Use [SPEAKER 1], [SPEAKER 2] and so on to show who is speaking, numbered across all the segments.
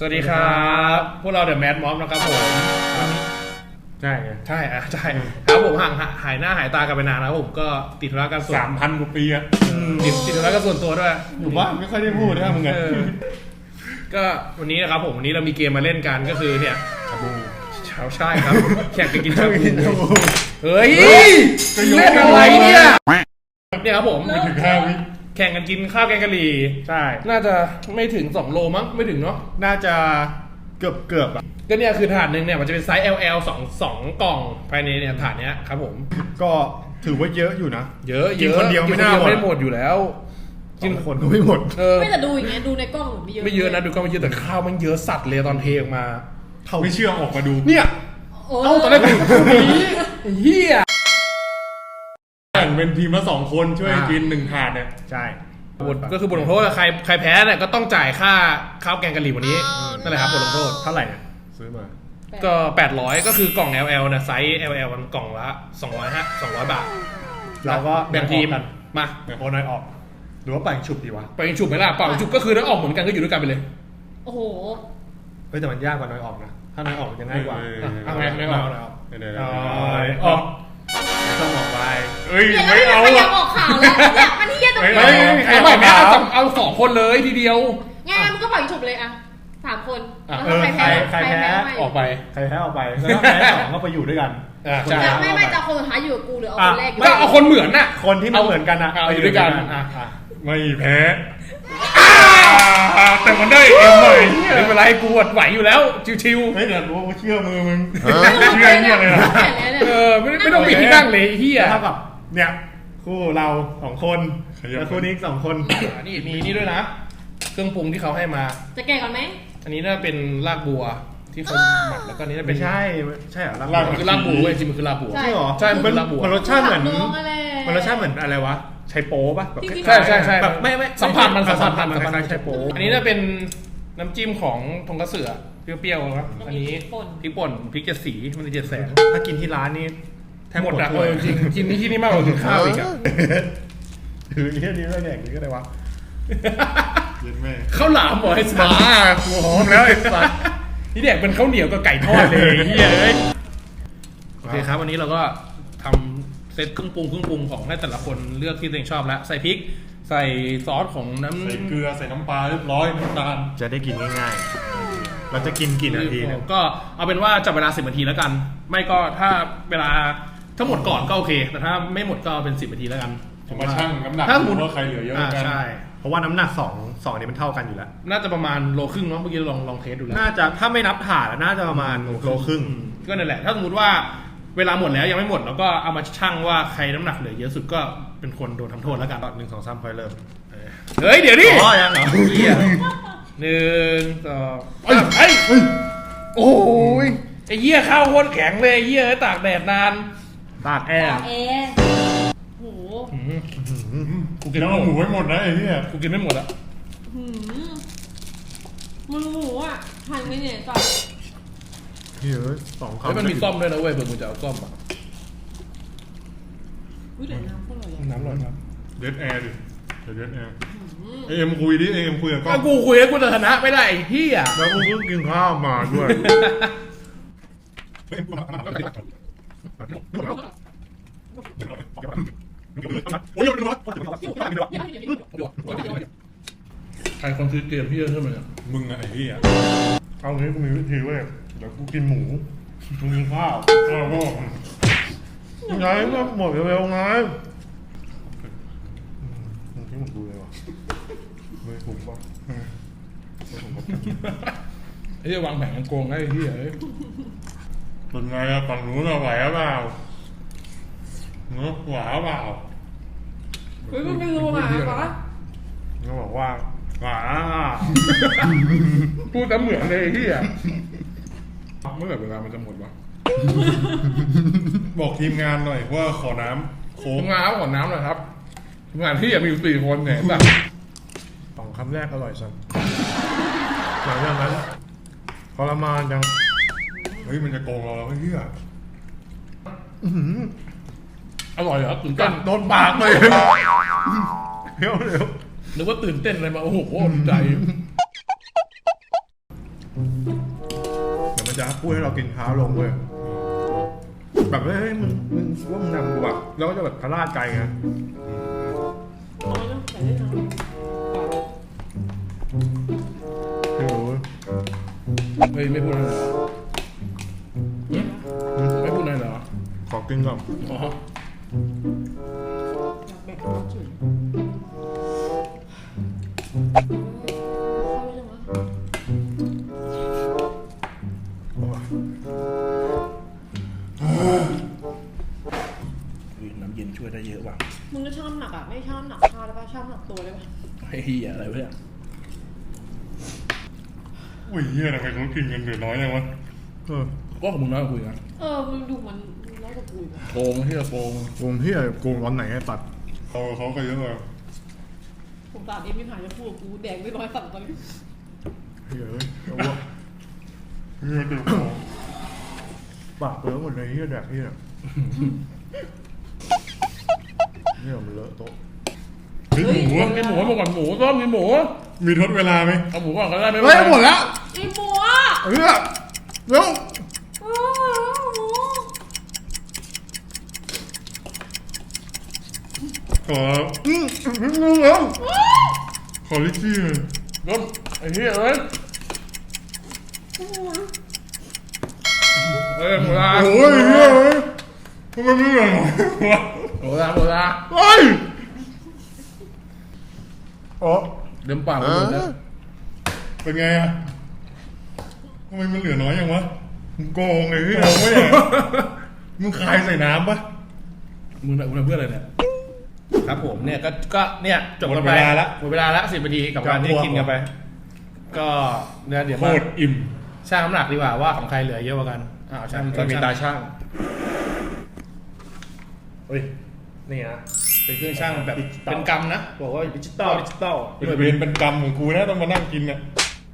[SPEAKER 1] สวัสดีครับพวกเราเดอะแมดม็อบนะครับผม
[SPEAKER 2] ใช่
[SPEAKER 1] ใช่ครับผมหายหน้าหายตากันไปนานแล้วผมก็ติดธุระกันส่วน
[SPEAKER 2] 3,000 กว่าปีอะ
[SPEAKER 1] ติดธุระกันส่วนตัวด้วย
[SPEAKER 2] อยู่บ้านไม่ค่อยได้พูดนะมึงไง
[SPEAKER 1] ก็วันนี้นะครับผมวันนี้เรามีเกมมาเล่นกันก็คือเนี่ย
[SPEAKER 2] ชาบู
[SPEAKER 1] ใช่ครับแข่งกันกินชาบูเฮ้ยเล่นอะไรเนี่ยครับผม
[SPEAKER 2] ไม่ถึง5 วิ
[SPEAKER 1] แข่งกันกินข้าวแกงกะหรี่
[SPEAKER 2] ใช่
[SPEAKER 1] น่าจะไม่ถึง2 โลมั้งไม่ถึงเนาะ
[SPEAKER 2] น่าจะเกือบอ่ะ
[SPEAKER 1] ก็เนี่ยคือถาดหนึ่งเนี่ยมันจะเป็นไซส์ LL 2 กล่องภายในเนี่ยถาดเนี้ยครับผม
[SPEAKER 2] ก็ถือว่าเยอะอยู่นะ
[SPEAKER 1] เยอะ
[SPEAKER 2] กินคนเดียว
[SPEAKER 1] ไม่หมดอยู่แล้ว
[SPEAKER 2] กินคนก็ไม่หมด
[SPEAKER 3] ไม่แต่ดูอย่างเงี้ยดูในกล้อง
[SPEAKER 1] ไม่เยอะนะดูกล้องไม่เยอะแต่ข้าวมันเยอะสัตว์เลยตอนเทออกมา
[SPEAKER 2] ไม่เชื่อออกมาดู
[SPEAKER 1] เนี่ยตอนแรกเฮีย
[SPEAKER 2] แข่งเป็นทีมละ2 คนช่วยกิน1 ถาดเนี่ย
[SPEAKER 1] ใช่ก็คือบทลงโทษใครแพ้เนี่ยก็ต้องจ่ายค่าข้าวแกงกะหรี่วันนี้นั่นแหละครับบทลงโทษ
[SPEAKER 2] เท่าไหร่เนี่ยซื้อมา
[SPEAKER 1] ก็800ก็คือกล่อง LL นะไซส์ LL มันกล่องละ200 บาท
[SPEAKER 2] เราก็
[SPEAKER 1] แบ่งทีมมา
[SPEAKER 2] โอนน้อยออกหรือว่าปั่นฉุบดีวะ
[SPEAKER 1] ปั่นฉุบไหมล่ะปั่นฉุบก็คือถ้าออกเหมือนกันก็อยู่ด้วยกันไปเลย
[SPEAKER 3] โอ้โห
[SPEAKER 2] แต่มันยากกว่าน้อยออกนะถ้าน้อยออกจะง่ายกว่า
[SPEAKER 1] เอาไงน้อยออก
[SPEAKER 2] ออกต้องออกไป
[SPEAKER 3] ไม่เอาอ่ะออกข่าวแล้วเนี่ยมันที่เยอะตรงนี้
[SPEAKER 1] ไม่เอา2 คนเลยทีเดียว
[SPEAKER 3] งั้นมันก็ปล่อยฉุบเลยอ่ะ3 คน
[SPEAKER 2] ใครแพ้
[SPEAKER 1] ออกไป
[SPEAKER 2] ใครแพ้ออกไปแล้วแพ้2ก็ไปอยู่ด้วยกัน
[SPEAKER 3] ไม่จะคนสุดท้ายอยู่กับกูหรือเอาคนแรกอยู่
[SPEAKER 1] ก็เอาคนเหมือนน่ะ
[SPEAKER 2] คนที่มาเหมือนกันนะ
[SPEAKER 1] เอาอยู่ด้วยกัน
[SPEAKER 2] ไม่แพ้แต่มันได้ใหม่
[SPEAKER 1] ไม่เป็นไรกูไหวอยู่แล้วชิว
[SPEAKER 2] ๆไม่เดี๋ยวรู้ว่าเชื่อมือมึงเชื่อเนี่ยเลย
[SPEAKER 1] ไม่ต้องปิดที่นั่งเลยเฮีย
[SPEAKER 2] เท่ากับเนี่ยคู่เรา2 คนแล้วคู่นี้2 คน
[SPEAKER 1] นี่มีนี่ด้วยนะเครื่องปรุงที่เขาให้มา
[SPEAKER 3] จะแกะก่อนไหม
[SPEAKER 1] อันนี้น่าเป็นรากบัวที่เขาหมักแล้วก็นี้น่าเป็น
[SPEAKER 2] ใช่เหรอราก
[SPEAKER 1] คือรากบัวจริงมันคือรากบัว
[SPEAKER 2] ใช่หรอ
[SPEAKER 1] ใช่มันรากบัว
[SPEAKER 2] มันรสชาติเหมือนอะไรวะไชโป๊ป่ะ
[SPEAKER 1] ใช่แบบไม่สัมผัสมันคล้าย
[SPEAKER 2] ไชโป๊
[SPEAKER 1] อันนี้น่าเป็นน้ำจิ้มของทงคัตสึเปรี้ยวๆครับอันนี้พริกป่นพริก7 สีมันจะ7 แสง
[SPEAKER 2] ถ้ากินที่ร้านนี่
[SPEAKER 1] แทบหมดอ่ะจริงกินที่นี่มากกว่ากินข้าวอีกอ่ะ
[SPEAKER 2] ถือแค่นี้แล้วแดกนี่ก็ได้วะ
[SPEAKER 1] ข้าวหลามหมอไอ้สัส
[SPEAKER 2] หัวหอมแล้วไอ้สัส
[SPEAKER 1] นี่แดกเป็นข้าวเหนียวกับไก่ทอดเลยเฮ้ยโอเคครับวันนี้เราก็ทำเซตเครื่องปรุงของให้แต่ละคนเลือกที่ตัวเองชอบแล้วใส่พริกใส่ซอสของ
[SPEAKER 2] ใส่เกลือใส่น้ำปลาเรียบร้อยน้ำตาลจะได้กินง่ายๆเราจะกินกี่นาทีเนี่ย
[SPEAKER 1] ก็เอาเป็นว่าจับเวลา10 นาทีแล้วกันไม่ก็ถ้าเวลาถ้าหมดก่อนก็โอเคแต่ถ้าไม่หมดก็เป็น10 นาทีแล้วกัน
[SPEAKER 2] ผมมาชั่งน้ำหนักว่าใครเหลือเยอะกัน
[SPEAKER 1] ใช่
[SPEAKER 2] เพราะว่าน้ำหนัก2นี่มันเท่ากันอยู่แล้ว
[SPEAKER 1] น่าจะประมาณ1.5 โลเนาะเมื่อกี้ลองเทสดูแล้ว
[SPEAKER 2] น่าจะถ้าไม่นับถาดน่าจะประมาณ1.5 โล
[SPEAKER 1] ก็นั่นแหละถ้าสมมติว่าเวลาหมดแล้วยังไม่หมดแล้วก็เอามาชั่งว่าใครน้ำหนักเหลือเยอะสุดก็เป็นคนโดนทำโทษแล้วกัน
[SPEAKER 2] 1 2 3ค่อยเริ่ม
[SPEAKER 1] เฮ้ยเดี๋ยวดิ
[SPEAKER 2] อ๋อยังเหรอ
[SPEAKER 1] 1 2โอ้ยไอ้เหี้ยข้าวโคตรแข็งเลยไอ้เหี้ยตากแดดนาน
[SPEAKER 2] ตากแอร์
[SPEAKER 3] โห
[SPEAKER 2] กูกินแล้วหมูไม่หมดนะไอ้เหี้ย
[SPEAKER 1] กูกินไม่หมดอะ
[SPEAKER 3] มึงหมูอ่ะหั่นไม่เนี่ยก่อน
[SPEAKER 2] เฮ้ย2 คำ
[SPEAKER 1] มันมีซ่อมด้วยนะเว้ยเผื่อมึงจะเอาซ่อมอ่ะ
[SPEAKER 3] เดี๋ยวน้ำก็อร่อย
[SPEAKER 1] น้ำอร่อยครับ
[SPEAKER 2] เดดแอร์ดิเดดแอร์เอ็มคุยดิเอ็มคุยกับ
[SPEAKER 1] ก็กูคุยแล้วกูจะชนะไม่ได้ไอ้เหี้ย
[SPEAKER 2] แล้วกูเพิ่งกินข้าวมาด้วย
[SPEAKER 1] ใครคนซื้อเกมพี่เยอะขึ้นมาเนี่ย
[SPEAKER 2] มึงไอ้เหี้ยเอางี้กูมีวิธีเว้ยเดี๋ยวกูกินหมูมึงกินข้าวไงก็หมดเร็วๆไงมึงคิดเหมือนกูเลยวะไม่ถูกป่ะ
[SPEAKER 1] ไอ้เหี้ยวางแผนกันโกงไอ้เหี้ย
[SPEAKER 2] เป็นไงอะฝั่งนู้นเราไหวหรือเปล่าเนาะไหวหรือเปล่า
[SPEAKER 3] เฮ้ยไม่รู้อ่ะปะ
[SPEAKER 2] เขาบอกว่าหวา
[SPEAKER 1] พูดแต่เหมือนเลยที่อ่ะเมื่อไหร่เวลามันจะหมดวะ
[SPEAKER 2] บอกทีมงานหน่อยว่าขอน้ำโค้ง
[SPEAKER 1] ขอน้ำหน่อยครับทีมงานที่มีอยู่4 คนเนี่ยแบบ
[SPEAKER 2] 2 คำแรกอร่อยสัสหลังจากนั้นทรมานจังเฮ้ยมันจะโกงเราเฮ้ย
[SPEAKER 1] อร่อยเหรอตื่นเต้น
[SPEAKER 2] โดนปากเลยเร็ว
[SPEAKER 1] นึกว่าตื่นเต้นอะไรมาโอ้โหใจ
[SPEAKER 2] มันจะพูดให้เรากินช้าลงเว้ยแบบเฮ้ยมึงว่ามึงนำกูแบบแล้วก็จะแบบพลาดใจไง
[SPEAKER 3] น้อยเนาะใส่ได้น้อย
[SPEAKER 2] ไม่รู้
[SPEAKER 1] เฮ้ยไม่พูดอะไรเหรอไม่พูดอะไรเหรอ
[SPEAKER 2] ขอกินก่อน
[SPEAKER 1] อ๋อ
[SPEAKER 3] อยากแบ่งความจืดเข้าไปเลยวะ
[SPEAKER 1] น้ำเย็นช่วยได้เยอะว่ะ
[SPEAKER 3] มึงก็ชอบหนักอ่ะไม่ชอบหนักข้าวได้ป่ะชอบหนักตัวได้ป่ะ
[SPEAKER 1] ไอ้เหี้ยอะไรวะเนี่ย
[SPEAKER 2] อุ้ยเฮียทำไมเขากินกันเหลือน้อยจังวะ
[SPEAKER 1] ก็ของมึงน้อยกว่าคุยกัน
[SPEAKER 3] มึงดูมันน้อยกว่ากูอีกอะ
[SPEAKER 1] โกงที่จะโกง
[SPEAKER 2] โกงเฮียโกงวันไหนไอ้ตัดเขาก็เยอะเลย
[SPEAKER 3] ผมตาเอ็มไม่ผ่านจะพูดกับกูแดงไม่ร้อยสั่งตอนนี้
[SPEAKER 2] เฮียเอ้ยเอาวะเฮียเดือดปากเลอะหมดเลยเฮียแดกเฮียเนี่ยมันเลอะโต๊ะเฮ้ยหมู
[SPEAKER 1] กินหมูมาก่อนหมูต้มกินหมู
[SPEAKER 2] มีทดเวลาไหม
[SPEAKER 1] เอาหมูก่อนก็ได้ไม่
[SPEAKER 2] เฮ้ยหมดแล้ว
[SPEAKER 3] ไอ้หมูอ่ะ
[SPEAKER 2] เฮ้ยเร็ว
[SPEAKER 3] โอ้หมู
[SPEAKER 2] ขอเร็วขอลิชี่เลย
[SPEAKER 1] ต้มไอ้เหี้ยเอ้ยหมูลา
[SPEAKER 2] โอ้ยเฮียเอ้ยทำไมไม่เหลือวะ
[SPEAKER 1] หมูลา
[SPEAKER 2] เฮ้ยอ๋อ
[SPEAKER 1] เดิมปากหมดเลย
[SPEAKER 2] เป็นไงอะทำไมมันเหลือน้อยอย่างวะมึงโกงไอ้พี่โกงไม่เนี่ยมึงคายใส่น้ำปะ
[SPEAKER 1] มึงเพื่ออะไรเนี่ยครับผมเนี่ยก็เนี่ยจบกันไป
[SPEAKER 2] หมดเวลาละ
[SPEAKER 1] หมดเวลาละ10 นาทีกับการที่กินกันไป ก็เนี่ยเดี๋ยว
[SPEAKER 2] โค
[SPEAKER 1] มา
[SPEAKER 2] ตรอิ่ม
[SPEAKER 1] ช่างน้ำหนักดีกว่าว่าของใครเหลือเยอะกว่ากันช่าง
[SPEAKER 2] จะมีตาช่างเฮ้ยนี่นะ
[SPEAKER 1] เป็นเครื่องช่างแบบเป็นกรรมนะบอกว่าดิจิตอล
[SPEAKER 2] เป็นเวรเป็นกรรมของกูนะต้องมานั่งกินเนี่ย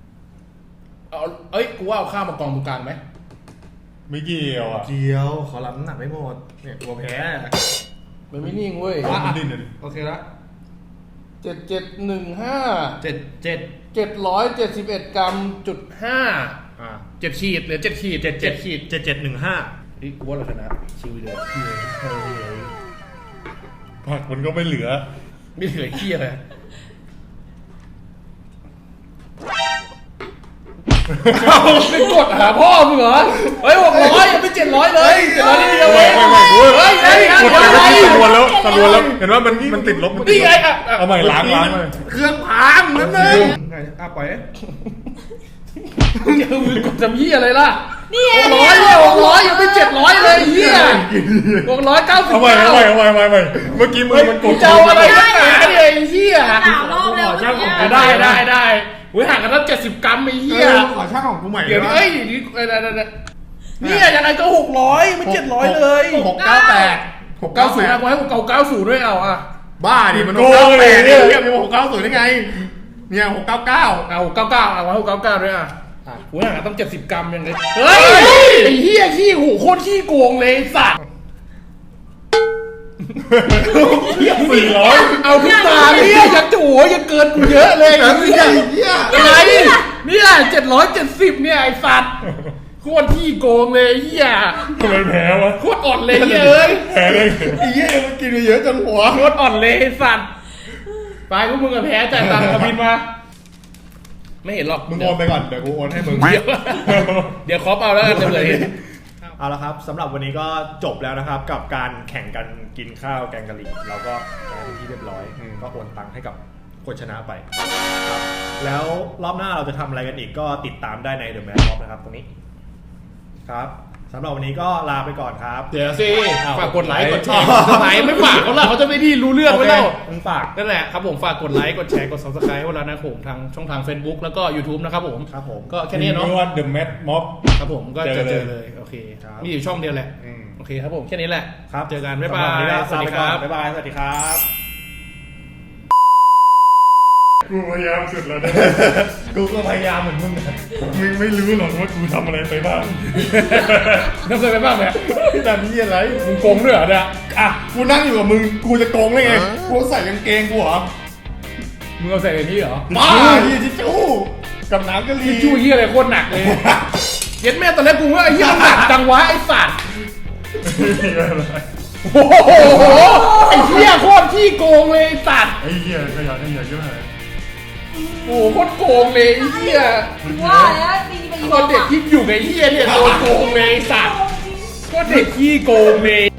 [SPEAKER 1] กูว่าเอาข้าวมากองตรงกลางไหม
[SPEAKER 2] ไม่เกี่ยวอ่ะ
[SPEAKER 4] เกียวขอรับน้ำหนักไม่หมดเนี่ยกลัวแพ้
[SPEAKER 1] มันไม่นิ่งเว้ย
[SPEAKER 2] มันดิ้นเลย
[SPEAKER 4] โอเคละ
[SPEAKER 1] 7715
[SPEAKER 4] 7
[SPEAKER 1] 771 กรัมจุด5
[SPEAKER 4] อ่า
[SPEAKER 1] 7 ขีดเหลือ7 ขีด7 ขีด
[SPEAKER 4] 7715
[SPEAKER 1] นี่กูว่าเราชนะชิวเลย
[SPEAKER 2] ผักมันก็ไม่เหลือ
[SPEAKER 1] ไม่เหลือขี้เลยไม่กดหาพ่อมึงเหรอเฮ้ย600ยังไม่700เลย700นิดเดียวเอง
[SPEAKER 2] ไม่เฮ้ย
[SPEAKER 1] เฮ้ย
[SPEAKER 2] กดไปตะลวนแล้วเห็นว่ามันติดลบ
[SPEAKER 1] นี่ไงอ่ะ
[SPEAKER 2] เอาใหม่ล้างเลย
[SPEAKER 4] เครื่องพังนั่นเอง
[SPEAKER 2] ปล่อย
[SPEAKER 1] เจอมือกดจำยี่อะไรล่ะ
[SPEAKER 3] นี่ไง
[SPEAKER 1] 600เนี่ย600ยังไม่700เลยเฮีย690
[SPEAKER 2] เอาใหม่เมื่อกี้มือมันกด
[SPEAKER 1] เจ้าอะไรนักหนาเนี่ยไอ้เฮีย
[SPEAKER 3] สามรอบแล้วเนี่ย
[SPEAKER 1] ได้อุ้ยห่างกันตั้ง70 กรัมไอ้เฮีย
[SPEAKER 4] ขอช่างของกูใหม่
[SPEAKER 1] เดี๋ยวนี้เนี่ยยังไงก็600ไม่700เลย
[SPEAKER 4] 698
[SPEAKER 1] 690นะกูให้690ด้วยเอาอ่ะ
[SPEAKER 4] บ้าดิมัน698เนี่ยมี690ได้ไงเนี่ย699
[SPEAKER 1] เอา699เอาไว้699ด้วยอ่ะกูห่างกันตั้ง70 กรัมยังไงเฮ้ยไอ้เฮียขี้หูโคตรขี้โกงเลยสัตว์
[SPEAKER 2] 400
[SPEAKER 1] เอาขึ้นมาเนี่ยยังจะโอ้ยยังเกินกูเยอะเลยอะไรเนี่ย770เนี่ยไอ้สัตว์โคตรขี้โกงเลยเฮีย
[SPEAKER 2] ทำไมแพ้วะ
[SPEAKER 1] โคตรอ่อนเลยเอ้ย
[SPEAKER 2] แพ้เลย
[SPEAKER 4] ไอ้เหี้ยมันกินไปเยอะจังหัว
[SPEAKER 1] โคตรอ่อนเลยสัตว์ไปพวกมึงกับแพ้จ่ายตังค์กับบินมาไม่เห็นหรอก
[SPEAKER 2] มึงโอนไปก่อนเดี๋ยวกูโอนให้มึง
[SPEAKER 1] เดี๋ยวคอปเอาแล้วกันเลย
[SPEAKER 4] เอาละครับสำหรับวันนี้ก็จบแล้วนะครับกับการแข่งกันกินข้าวแกงกะหรี่เราก็เป็นที่เรียบร้อยก็โอนตังค์ให้กับคนชนะไปครับแล้วรอบหน้าเราจะทำอะไรกันอีกก็ติดตามได้ใน The Man Mob นะครับตรงนี้ครับสำหรับวันนี้ก็ลาไปก่อนครับ
[SPEAKER 1] เดี๋ยวสิฝากกดไลค์กดแชร์กด subscribe ไม่ฝากเขาละเขาจะไม่ได้รู้เรื่องไว้แล้ว
[SPEAKER 4] มึงฝาก
[SPEAKER 1] นั่นแหละครับผมฝากกดไลค์กดแชร์กด subscribe ไว้แล้วนะผมทางช่องทาง Facebook แล้วก็ YouTube นะครับผม
[SPEAKER 4] ครับผม
[SPEAKER 1] ก็แค่นี้เนาะ
[SPEAKER 2] ว่า The Mad Mob
[SPEAKER 1] ครับผมก็จะเจอเลยโอเค
[SPEAKER 4] ครับ
[SPEAKER 1] มีอยู่ช่องเดียวแหละ
[SPEAKER 4] อืม
[SPEAKER 1] โอเคครับผมแค่นี้แหละ
[SPEAKER 4] ครับ
[SPEAKER 1] เจอกันบ๊ายบา
[SPEAKER 4] สำหรับวันนี้
[SPEAKER 1] ย
[SPEAKER 4] ก็
[SPEAKER 1] สวัสดีครับ
[SPEAKER 4] บ๊ายบายสวัสดีครับ
[SPEAKER 2] กูพยายามสุดแล้วนะ
[SPEAKER 4] กูก็พยายามเหมือนมึงนะ
[SPEAKER 2] มึงไม่รู้หรอกว่ากูทำอะไรไปบ้าง
[SPEAKER 1] น้ำเคยไปบ้างไหม
[SPEAKER 4] พี่ตามนี่อะไร
[SPEAKER 1] มึงโกงด้วยเหรอเนี่ย
[SPEAKER 4] อ่ะกูนั่งอยู่กับมึงกูจะโกงได้ไงกูใส่กางเกงกูเหรอ
[SPEAKER 1] มึงเอาใส่ในนี้เหรอ
[SPEAKER 4] บ้าที่จู้กับน้ำกะหรี่
[SPEAKER 1] ชู้ยี่อะไรโคตรหนักเลยเย็ดแม่ตอนแรกกูว่าไอ้เหี้ยมันหนักจังวะไอ้สัตว์โอ้โหไอ้เหี้ยโคตรขี้โกงเลยไอ้สัตว์
[SPEAKER 2] ไอ้เหี้ยขยะเยอะเลย
[SPEAKER 1] โอ้โหโคตรโกงเลยไอ้เหี้ย
[SPEAKER 3] ว่าแล้วตีไปอีก
[SPEAKER 1] คนเด็กที่อยู่ในเหี้ยเนี่ยโดนโกงเลยไอ้สัตว์โคตรเด็กขี้โกงเลย